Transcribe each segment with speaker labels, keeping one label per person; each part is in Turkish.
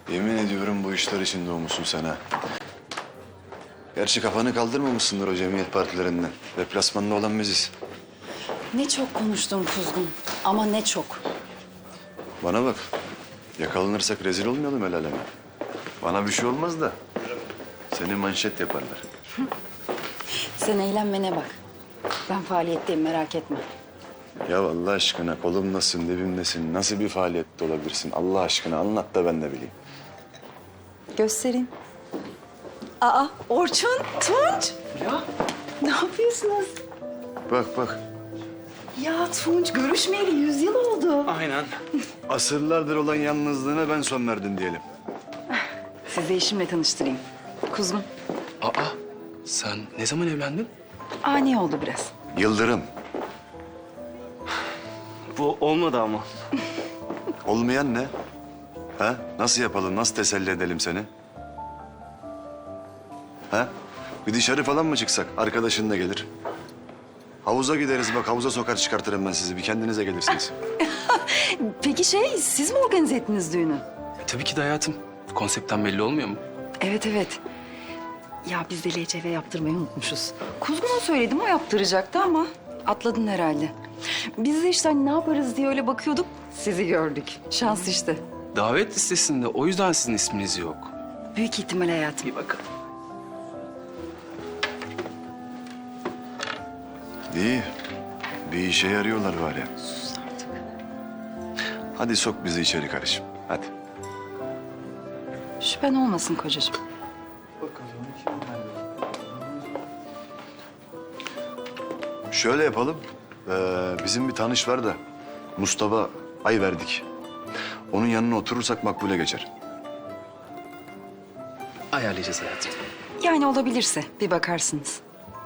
Speaker 1: Yemin ediyorum bu işler için doğmuşsun sen ha. Gerçi kafanı kaldırmamışsındır o cemiyet partilerinden. Deplasmanda olan biziz.
Speaker 2: Ne çok konuştun Kuzgun ama ne çok.
Speaker 1: Bana bak. Yakalanırsak rezil olmayalım el aleme. Bana bir şey olmaz da seni manşet yaparlar.
Speaker 2: Sen eğlenmene bak. Ben faaliyetteyim merak etme.
Speaker 1: Ya Allah aşkına kolumdasın, dibimdesin. Nasıl bir faaliyette olabilirsin? Allah aşkına anlat da ben de bileyim.
Speaker 2: Göstereyim. Aa Orçun, Tunç.
Speaker 3: Ya
Speaker 2: Ne yapıyorsunuz?
Speaker 1: Bak bak.
Speaker 2: Ya Tunç görüşmeyeli 100 yıl oldu.
Speaker 3: aynen.
Speaker 1: Asırlardır olan yalnızlığına ben son verdim diyelim.
Speaker 2: Sizi eşimle tanıştırayım. Kuzgun.
Speaker 3: Aa sen ne zaman evlendin?
Speaker 2: Ani oldu biraz.
Speaker 1: Yıldırım.
Speaker 3: Bu olmadı ama.
Speaker 1: Olmayan ne? Ha? Nasıl yapalım? Nasıl teselli edelim seni? Ha? Bir dışarı falan mı çıksak? Arkadaşın da gelir. Havuza gideriz bak. Havuza sokar çıkartırım ben sizi. Bir kendinize gelirsiniz.
Speaker 2: Peki siz mi organize ettiniz düğünü?
Speaker 3: Tabii ki de hayatım. Konseptten belli olmuyor mu?
Speaker 2: Evet evet. Ya biz de LCV yaptırmayı unutmuşuz. Kuzgun'a söyledim o yaptıracaktı ama atladın herhalde. Biz de işte hani ne yaparız diye öyle bakıyorduk. Sizi gördük. Şans işte.
Speaker 3: Davet listesinde o yüzden sizin isminiz yok.
Speaker 2: Büyük ihtimal hayatım.
Speaker 3: Bir bakalım.
Speaker 1: İyi. Bir işe yarıyorlar bari.
Speaker 2: Sus artık.
Speaker 1: Hadi sok bizi içeri karışım. Hadi.
Speaker 2: Şüphen olmasın kocacığım.
Speaker 1: Şöyle yapalım. Bizim bir tanış var da Mustafa Ayverdik. Onun yanına oturursak makbule geçer.
Speaker 3: Ayarlayacağız hayatım.
Speaker 2: Yani olabilirse bir bakarsınız.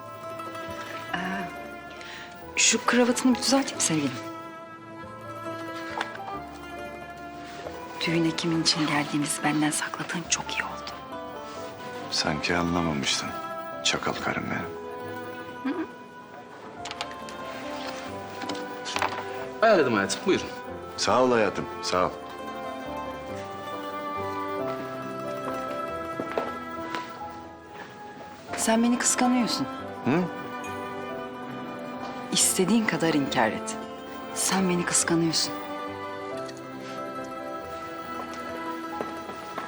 Speaker 2: Şu kravatını bir düzelteyim sevgilim. Düğüne kimin için geldiğimizi benden sakladığın çok iyi oldu.
Speaker 1: Sanki anlamamıştın. Çakal karım benim.
Speaker 3: Ayarladım hayatım. Buyurun.
Speaker 1: Sağ ol hayatım, sağ ol.
Speaker 2: Sen beni kıskanıyorsun.
Speaker 1: Hı?
Speaker 2: İstediğin kadar inkar et. Sen beni kıskanıyorsun.